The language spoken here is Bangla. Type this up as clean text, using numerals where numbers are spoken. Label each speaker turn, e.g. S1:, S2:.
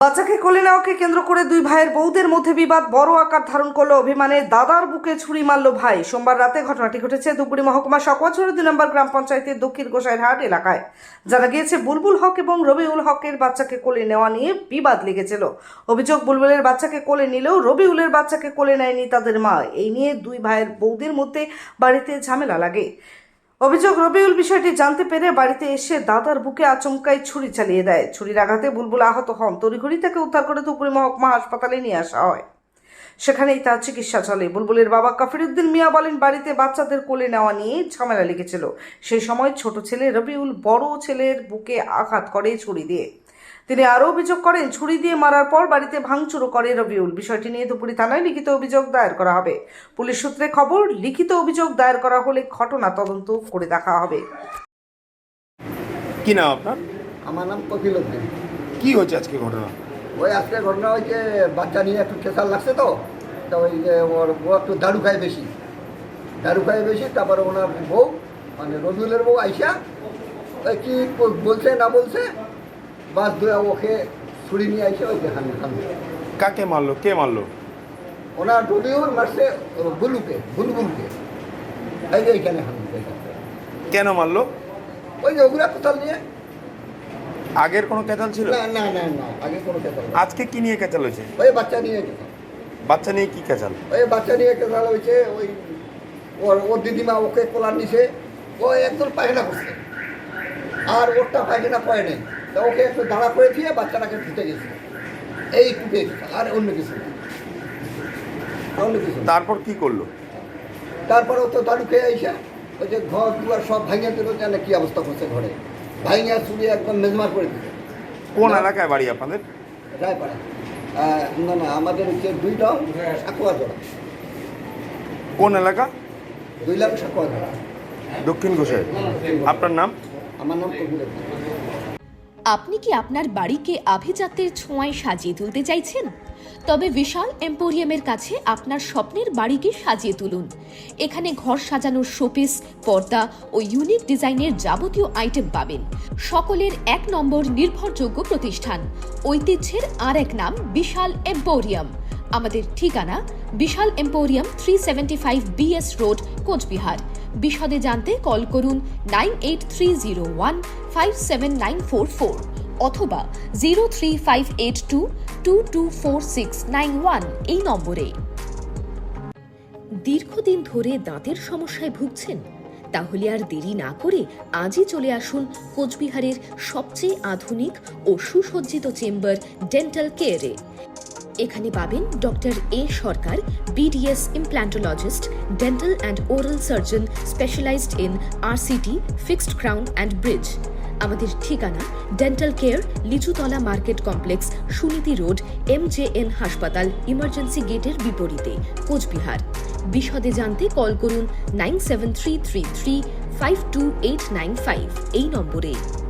S1: বাচ্চাকে কোলে নেওয়াকে কেন্দ্র করে দুই ভাইয়ের বউদের মধ্যে বিবাদ বড় আকার ধারণ করলো। অভিমানে দাদার বুকে ছুরি মারল ভাই। সোমবার রাতে ঘটনাটি ঘটেছে ধূপগুড়ি মহকুমা সকোয়াছড়ি 2 নম্বর গ্রাম পঞ্চায়েতের দক্ষিণ গোসাইরহাট এলাকায়। জানা গিয়েছে বুলবুল হক এবং রবিউল হকের বাচ্চাকে কোলে নেওয়া নিয়ে বিবাদ লেগেছিল। অভিযোগ, বুলবুলের বাচ্চাকে কোলে নিলেও রবিউলের বাচ্চাকে কোলে নেয়নি তাদের মা। এই নিয়ে দুই ভাইয়ের বউদের মধ্যে বাড়িতে ঝামেলা লাগে। অভিযোগ, রবিউল বিষয়টি জানতে পেরে বাড়িতে এসে দাদার বুকে আচমকাই ছুরি চালিয়ে দেয়। ছুরির আঘাতে বুলবুল আহত হন। তড়িঘড়ি তাকে উদ্ধার করে ধূপগুড়ি মহকুমা হাসপাতালে নিয়ে আসা হয়। সেখানেই তার চিকিৎসা চলে। বুলবুলের বাবা কাফিরউদ্দিন মিয়া বলেন, বাড়িতে বাচ্চাদের কোলে নেওয়া নিয়ে ঝামেলা লেগেছিল। সেই সময় ছোট ছেলে রবিউল বড় ছেলের বুকে আঘাত করে ছুরি দিয়ে। তিনি আরও অভিযোগ করেন, ছুরি দিয়ে মারার পর বাড়িতে ভাঙচুরও করে রবিউল। বিষয়টি নিয়ে ধূপগুড়ি থানায় লিখিত অভিযোগ দায়ের করা হবে। পুলিশ সূত্রে খবর, লিখিত অভিযোগ দায়ের করা হলে ঘটনা তদন্ত করে দেখা হবে।
S2: কি নাম আপনার?
S3: আমার নাম কপিল উদ্দিন।
S2: কি হয়েছে আজকে ঘটনা?
S3: ওই আজকে ঘটনা হয়েছে, বাচ্চা নিয়ে একটু প্রেশার লাগছে তো ওই যে ও একটু দারু খায় বেশি, তারপরে ওনার বউ মানে রবিউলের বউ আইসা ওই কি বলছে না বলছে, বাস ধরে ওকে ছুরি নিয়ে আইসে ওই দেখান।
S2: কাকে মারলো? কে মারলো?
S3: ওনার রবিউল মারছে বুলবুলকে এই যে এইখানে
S2: কেন মারলো?
S3: ওই যে ওগুলা কোথাল নিয়ে।
S2: আগের কোনো কেচাল ছিল?
S3: না আগে কোনো কেতাল।
S2: আজকে কি নিয়ে কেচাল হয়েছে?
S3: ওই বাচ্চা নিয়ে কেতাল।
S2: বাচ্চা নিয়ে কি কেচাল?
S3: ওই বাচ্চা নিয়ে কেতাল হয়েছে। ওই ওর দিদিমা ওকে কোলার নিছে, ও একদম পায়খানা করছে আর ওরটা পায়খানা করে নেই, তা ওকে একটু দাঁড়া করে দিয়ে বাচ্চাটাকে ঢুকে গেছে। এই টুকে আর অন্য কিছু।
S2: তারপর কি করলো?
S3: তারপরে ও তো দাঁড়ু খেয়ে আইসা ওই যে ঘর দুয়ার সব ভাঙিয়ে দিল, জানে কি অবস্থা করছে, ঘরে ভাঙিয়া চুরি একদম মেজমার করে দিচ্ছে।
S2: কোন এলাকায় বাড়ি আপনাদের?
S3: রায়পাড়া। না আমাদের হচ্ছে 2 লাখ সাকুয়া জোড়া।
S2: কোন এলাকা?
S3: 2 লাখ সাকুয়া জোড়া,
S2: দক্ষিণ গোসাই। আপনার নাম?
S3: আমার নাম কবির।
S4: আপনি কি আপনার বাড়িকে আভিজাত্যের ছোঁয়ায় সাজিয়ে তুলতে চাইছেন? তবে বিশাল এম্পোরিয়ামের কাছে আপনার স্বপ্নের বাড়িকে সাজিয়ে তুলুন। এখানে ঘর সাজানোর শোপিস, পর্দা ও ইউনিক ডিজাইনের যাবতীয় আইটেম পাবেন। সকলের 1 নম্বর নির্ভরযোগ্য প্রতিষ্ঠান। ঐতিহ্যের আর এক নাম বিশাল এম্পোরিয়াম। আমাদের ঠিকানা Vishal emporium, 375 BS road, Coochbehar. বিশদে জানতে কল করুন 9830157944 অথবা 03582224691 এই নম্বরে। দীর্ঘদিন ধরে দাঁতের সমস্যায় ভুগছেন? তাহলে আর দেরি না করে আজই চলে আসুন কোচবিহারের সবচেয়ে আধুনিক ও সুসজ্জিত চেম্বার ডেন্টাল কেয়ারে। এখানে পাবেন doctor A Sarkar, BDS implantologist, dental and oral surgeon specialized in RCT, fixed crown and bridge. আমাদের ঠিকানা dental care, Lichutala market complex, Suniti road, MJN হাসপাতাল, ইমার্জেন্সি গেটের বিপরীতে, কোচবিহার। বিশদে জানতে কল করুন 97333 52895 এই নম্বরে।